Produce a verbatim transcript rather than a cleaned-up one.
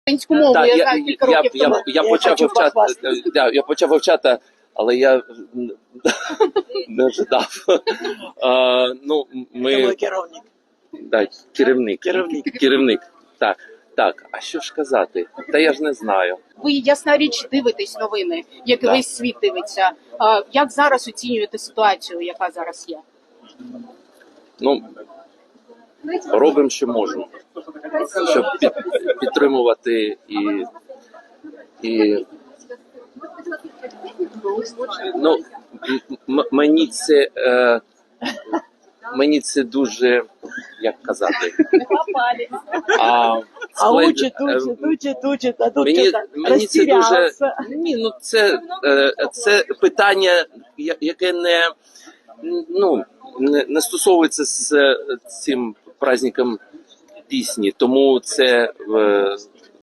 українську мову, Так, я я, знаю кілька я, років я, тому. я, я Я почав хочу вивчати, похвастатися. да, я почав вивчати, але я не ожидав. А, ну, Це ми, мой керівник. да, керівник, Керівник. керівник, так, так, а що ж казати? Та я ж не знаю. Ви, ясна річ, дивитесь новини, як і Так. весь світ дивиться. А, як зараз оцінюєте ситуацію, яка зараз є? Ну, робимо, що можемо, щоб під, підтримувати і, і ну, м- мені це е, мені це дуже, як казати, а, А склад- учить, е, учить, учить, учить, а тут Мені, что-то мені це дуже растерялся. ні, ну це, е, це питання, я- яке не ну не, не стосовується з цим праздником пісні, тому це е,